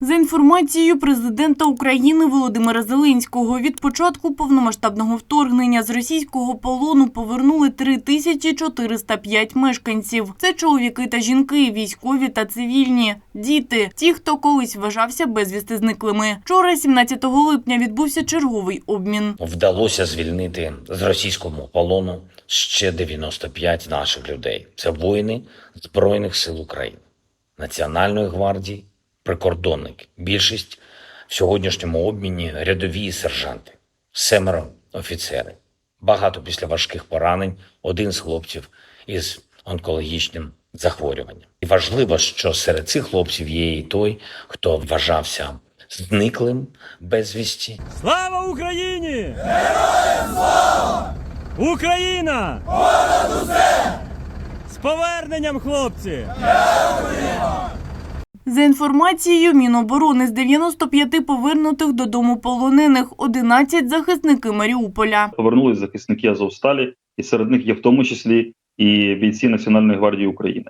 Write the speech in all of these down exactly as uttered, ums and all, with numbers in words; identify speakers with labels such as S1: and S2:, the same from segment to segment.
S1: За інформацією президента України Володимира Зеленського, від початку повномасштабного вторгнення з російського полону повернули три тисячі чотириста п'ять мешканців. Це чоловіки та жінки, військові та цивільні, діти, ті, хто колись вважався безвісти зниклими. Вчора, сімнадцятого липня, відбувся черговий обмін.
S2: Вдалося звільнити з російського полону ще дев'яносто п'ять наших людей. Це воїни Збройних сил України, Національної гвардії, прикордонники. Більшість в сьогоднішньому обміні – рядові і сержанти. Семеро – офіцери. Багато після важких поранень, один з хлопців із онкологічним захворюванням. І важливо, що серед цих хлопців є і той, хто вважався зниклим безвісті.
S3: Слава Україні! Героям слава! Україна! Понад усе! З поверненням, хлопці!
S1: Дякуємо! За інформацією Міноборони, з дев'яноста п'яти повернутих додому полонених – одинадцять захисники Маріуполя.
S4: Повернулись захисники Азовсталі, і серед них є в тому числі і бійці Національної гвардії України.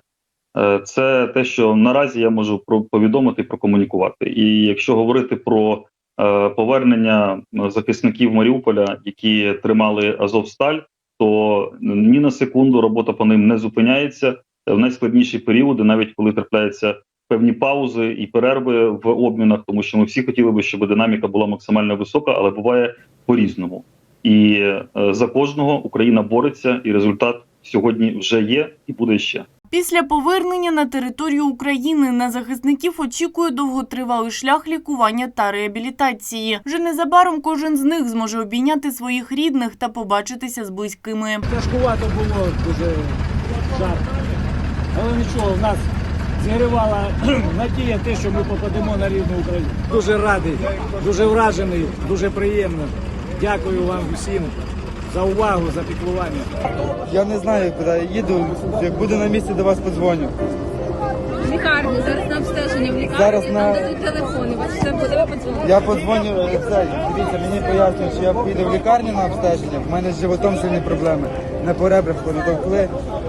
S4: Це те, що наразі я можу повідомити і прокомунікувати. І якщо говорити про повернення захисників Маріуполя, які тримали Азовсталь, то ні на секунду робота по ним не зупиняється. В найскладніші періоди, навіть коли трапляються певні паузи і перерви в обмінах, тому що ми всі хотіли би, щоб динаміка була максимально висока, але буває по-різному. І е, за кожного Україна бореться, і результат сьогодні вже є і буде ще.
S1: Після повернення на територію України на захисників очікує довготривалий шлях лікування та реабілітації. Вже незабаром кожен з них зможе обійняти своїх рідних та побачитися з близькими.
S3: Тяжкувато було, дуже жарко. Але нічого, в нас зігрівала надія те, що ми попадемо на рідну Україну. Дуже радий, дуже вражений, дуже приємно. Дякую вам всім за увагу, за піклування.
S5: Я не знаю, куди я їду. Як буду на місці, до вас подзвоню.
S6: В лікарні, зараз на обстеження в лікарні,
S5: Зараз
S6: там
S5: на...
S6: дадуть телефони, бачите, буде подзвонити.
S5: Я подзвоню, це, дивіться, мені пояснюють, що я піду в лікарню на обстеження, в мене з животом сильні проблеми. На поребрах натовкли,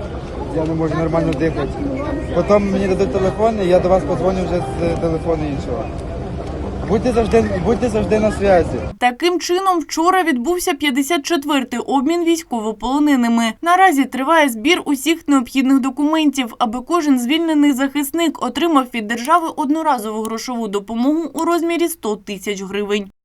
S5: я не можу нормально дихати. Потім мені дадуть телефон, і я до вас подзвоню вже з телефону іншого. Будьте завжди, будьте завжди на зв'язі.
S1: Таким чином, вчора відбувся п'ятдесят четвертий обмін військовополоненими. Наразі триває збір усіх необхідних документів, аби кожен звільнений захисник отримав від держави одноразову грошову допомогу у розмірі сто тисяч гривень.